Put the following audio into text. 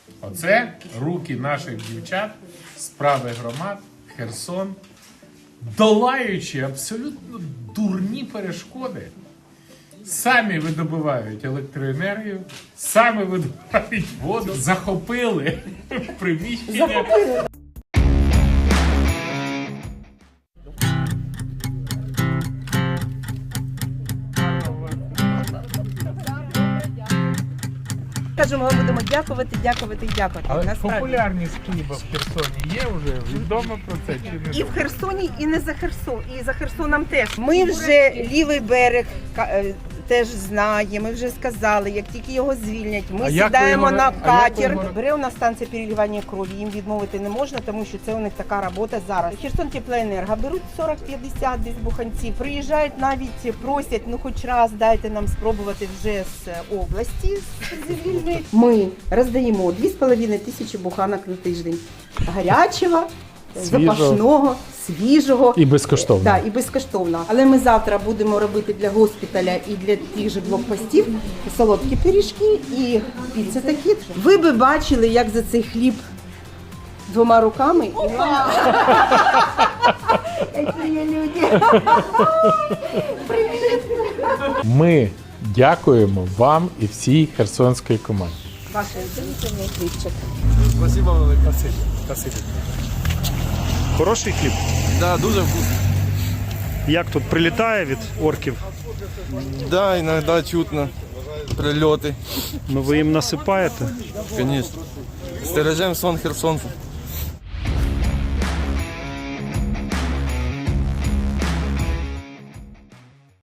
Оце руки наших дівчат, справи громад, Херсон, долаючи абсолютно дурні перешкоди, самі видобувають електроенергію, самі видобувають воду, захопили приміщення. Кажемо, ми будемо дякувати, дякувати і дякувати. Але Насправді. популярність хліба в Херсоні є вже? Відомо про це чи не? І в Херсоні, і не за Херсон, і за Херсоном теж. Ми вже лівий берег теж знає, ми вже сказали, як тільки його звільнять, ми сідаємо на катер. Бере у нас станція переливання крові, їм відмовити не можна, тому що це у них така робота зараз. Херсон Теплоенерго беруть 40-50 десь буханців, приїжджають навіть, просять, ну хоч раз дайте нам спробувати вже з області, з вільної. Ми роздаємо 2500 буханок на тиждень. Гарячого, запашного, свіжого. І безкоштовно. Да, і безкоштовно. Але ми завтра будемо робити для госпіталя і для тих же блокпостів солодкі пиріжки і піца такі. Ви би бачили, як за цей хліб двома руками. Це є люди. Ми дякуємо вам і всій херсонській команді. Ваше улюблений хлібчик. Спасибо велике. Спасибо. Хороший хліб? Да, дуже вкусно. Як тут прилітає від орків? Да, іноді чутно прильоти. Ну ви їм насипаєте? Звісно. Стережемо сон Херсонцу.